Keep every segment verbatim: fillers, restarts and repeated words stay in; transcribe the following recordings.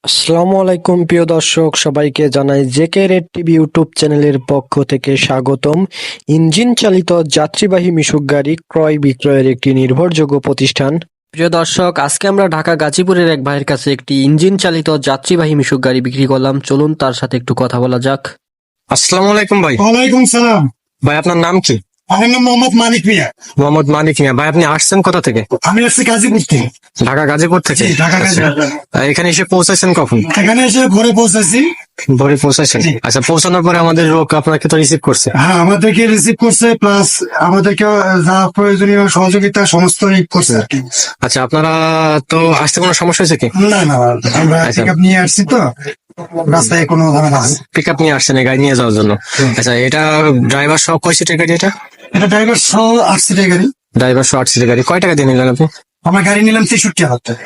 আসসালামু আলাইকুম প্রিয় দর্শক, সবাইকে জানাই জেকে রেড টিভি ইউটিউব চ্যানেলের পক্ষ থেকে স্বাগতম। ইঞ্জিন চালিত যাত্রীবাহী মিশুক গাড়ি ক্রয় বিক্রয়ের একটি নির্ভরযোগ্য প্রতিষ্ঠান। প্রিয় দর্শক, আজকে আমরা ঢাকা গাজীপুরের এক ভাইয়ের কাছে একটি ইঞ্জিন চালিত যাত্রীবাহী মিশুক গাড়ি বিক্রি করলাম। চলুন তার সাথে একটু কথা বলা যাক। আসসালামু আলাইকুম ভাই। ওয়ালাইকুম সালাম। ভাই আপনার নাম কি? আমার নাম মোহাম্মদ মানিক মিয়া। মোহাম্মদ মানিক মিয়া। ভাই আপনি আসছেন কোথা থেকে? আমি আসছি গাজীপুর থেকে। ঢাকা গাজীপুর থেকে? জি, ঢাকা গাজীপুর। আচ্ছা, এখানে এসে পৌঁছাইছেন কখন? এখানে এসে ভোরে পৌঁছাছি। ভোরে পৌঁছাইছেন? জি। আচ্ছা, পৌঁছানোর পরে আমাদের লোক আপনাকে তো রিসিভ করছে? হ্যাঁ, আমাদেরকে রিসিভ করছে, প্লাস আমাদেরকে যা প্রয়োজনীয় সহযোগিতা সমস্ত করছে আর কি। আচ্ছা, আপনারা তো আসতে কোনো সমস্যা হয়েছে কি? না না, আমরা আচ্ছা। পিক আপ নিয়ে আসছি তো, রাস্তায় কোনো ঝামেলা আছে। পিক আপ নিয়ে আসছেন এই গাড়ি নিয়ে যাওয়ার জন্য? আচ্ছা, এটা ড্রাইভার সহ কয় সিটের গাড়ি? এটা এটা ড্রাইভার সহ আট সিটের গাড়ি। ড্রাইভার সহ আট সিটের গাড়ি। কয় টাকা দিয়ে নিলেন আপনি? আমরা গাড়ি নিলাম তেষট্টি হাজার টাকা।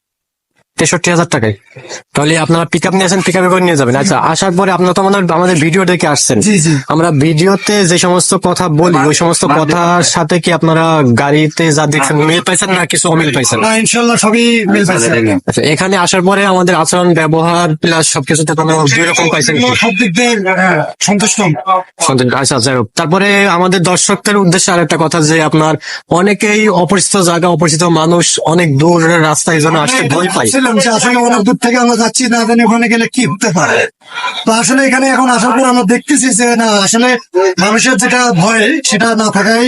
তেষট্টি হাজার টাকায়? তাহলে আপনারা পিক আপ নিয়ে আসেন, পিক আপে করে নিয়ে যাবেন। আচ্ছা, আসার পরে আপনারা তো আমাদের আমাদের ভিডিও দেখে আসছেন। জি জি। আমরা ভিডিওতে যে সমস্ত কথা বলি ওই সমস্ত কথার সাথে কি আপনারা গাড়িতে যা দেখছেন মিল পাইছেন না কিছু অমিল পাইছেন? না, ইনশাল্লাহ সবই মিল পাইছে। আচ্ছা, এখানে আসার পরে আমাদের আচরণ ব্যবহার প্লাস সবকিছুতে আপনারা দুই রকম পাইছেন কি? সব দিক দিয়ে হ্যাঁ, সন্তুষ্ট। সন্তুষ্ট। আচ্ছা, যাই হোক। তারপরে আমাদের দর্শকদের উদ্দেশ্যে আরেকটা কথা, যে আপনার অনেকেই অপরিচিত জায়গা, অপরিচিত মানুষ, অনেক দূরের রাস্তা, এই জন্য আসতে ভয় পাই। ভাবছিলাম যে আসলে অনেক দূর থেকে আমরা যাচ্ছি, না জানি ওখানে গেলে কি হতে পারে। তো আসলে এখানে এখন আসার পর আমরা দেখতেছি যে না, আসলে মানুষের যেটা ভয় সেটা না থাকাই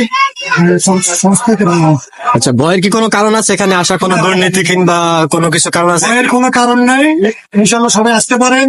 সংস্কৃতি। আচ্ছা, ভয়ের কি কোনো কারণ আছে এখানে আসা? কোনো দুর্নীতি কিংবা কোনো কিছু কারণ আছে? ভয়ের কোনো কারণ নাই, ইনশাল্লাহ সবাই আসতে পারেন।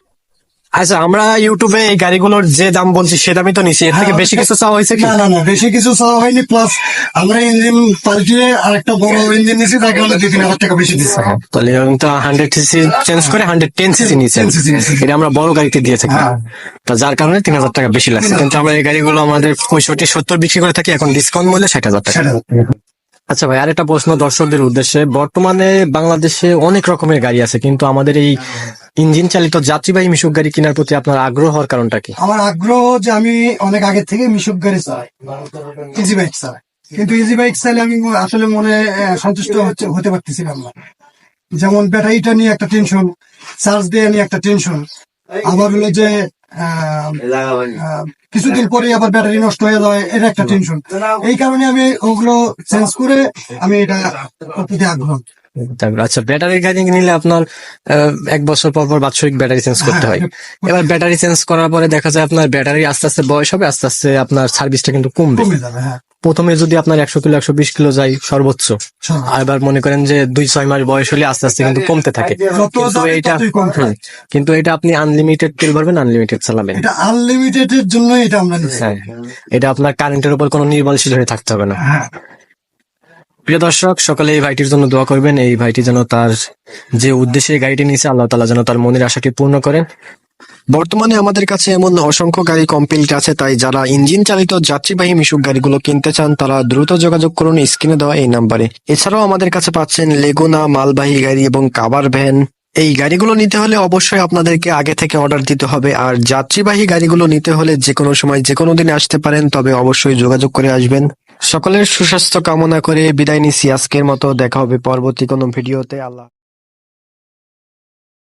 আচ্ছা, আমরা ইউটিউবে এই গাড়িগুলোর যে দাম বলছি সে দামই তো নিচ্ছি, এর থেকে বেশি কিছু চাওয়া হয়েছে কি? না না না, বেশি কিছু চাওয়া হয়নি। প্লাস আমরা ইঞ্জিন পাল্টিয়ে আরেকটা বড় ইঞ্জিন নিয়েছি, তাকে আমরা দুই তিন হাজার টাকা বেশি দিচ্ছি। তাহলে তো হান্ড্রেড সিসি চেঞ্জ করে হান্ড্রেড টেন সিসি নিয়েছেন। টেন সিসি নিয়েছি। এটা আমরা বড় গাড়িতে দিয়ে থাকি, হ্যাঁ। তা যার কারণে তিন হাজার টাকা বেশি লাগছে। কিন্তু আমরা এই গাড়িগুলো আমাদের পঁয়ষট্টি সত্তর বিক্রি করে থাকি, এখন ডিসকাউন্ট মূল্যে ষাট হাজার টাকা। সেটা আচ্ছা ভাই, আরেকটা প্রশ্ন দর্শকদের উদ্দেশ্যে। বর্তমানে বাংলাদেশে অনেক রকমের গাড়ি আছে, কিন্তু আমাদের এই ইঞ্জিন চালিত যাত্রীবাহী মিশুক গাড়ি কেনার প্রতি আপনার আগ্রহ হওয়ার কারণটা কি? আমার আগ্রহ যে আমি অনেক আগে থেকে মিশুক গাড়ি চালাই, ইজি বাইক চালাই, কিন্তু ইজি বাইক চাইলে আমি আসলে মনে আহ, সন্তুষ্ট হচ্ছে- হতে পারতেছিলাম না। যেমন ব্যাটারিটা নিয়ে একটা টেনশন, চার্জ দিয়ে নিয়ে একটা টেনশন, আবার হলো যে আহ, আহ, কিছুদিন পরে আবার ব্যাটারি নষ্ট হয়ে যায়, এটা একটা টেনশন। এই কারণে আমি ওগুলো চেঞ্জ করে আমি এটা প্রতি আগ্রহ। তারপর আচ্ছা, ব্যাটারি গাড়ি নিলে আপনার আহ, এক বছর পর পর বাৎসরিক ব্যাটারি চেঞ্জ করতে হয়। এবার ব্যাটারি চেঞ্জ করার পরে দেখা যায় আপনার ব্যাটারি আস্তে আস্তে বয়স হবে, আস্তে আস্তে আপনার সার্ভিসটা কিন্তু কমবে। কমে যাবে। হ্যাঁ, প্রথমে যদি আপনার একশো কিলো একশো বিশ কিলো যায় সর্বোচ্চ, আর এবার মনে করেন যে দুই ছয় মাস বয়স হলে আস্তে আস্তে কিন্তু কমতে থাকে। যত কিন্তু যাবে এইটা ততই কমতে হুম, কিন্তু এটা আপনি আনলিমিটেড তেল ভরবেন, আনলিমিটেড চালাবেন। এটা আনলিমিটেড এর জন্য এটা আমরা নিচ্ছি। হ্যাঁ, এটা আপনার কারেন্টের উপর কোনো নির্ভরশীল হয়ে থাকতে হবে না। হ্যাঁ, প্রিয় দর্শক, সকলে এই ভাইটির জন্য দোয়া করবেন। এই ভাইটি যেন তার যে উদ্দেশ্যে এই গাড়িটি নিয়েছে, আল্লাহ তাআলা যেন তার মনের আশাটি পূর্ণ করেন। বর্তমানে আমাদের কাছে এমন অসংখ্য গাড়ি কমপ্লিট আছে, তাই যারা ইঞ্জিন চালিত যাত্রীবাহী মিশুক গাড়িগুলো কিনতে চান তারা দ্রুত যোগাযোগ করুন স্ক্রিনে দেওয়া এই নাম্বারে। এছাড়াও আমাদের কাছে পাচ্ছেন লেগুনা, মালবাহী গাড়ি এবং কাভার ভ্যান। এই গাড়িগুলো নিতে হলে অবশ্যই আপনাদেরকে আগে থেকে অর্ডার দিতে হবে, আর যাত্রীবাহী গাড়িগুলো নিতে হলে যে কোনো সময় যে কোনো দিন আসতে পারেন, তবে অবশ্যই যোগাযোগ করে আসবেন। সকলের সুস্বাস্থ্য কামনা করে বিদায় নিচ্ছি আজকের মতো। দেখা হবে পরবর্তী কোনো ভিডিওতে। আল্লাহ।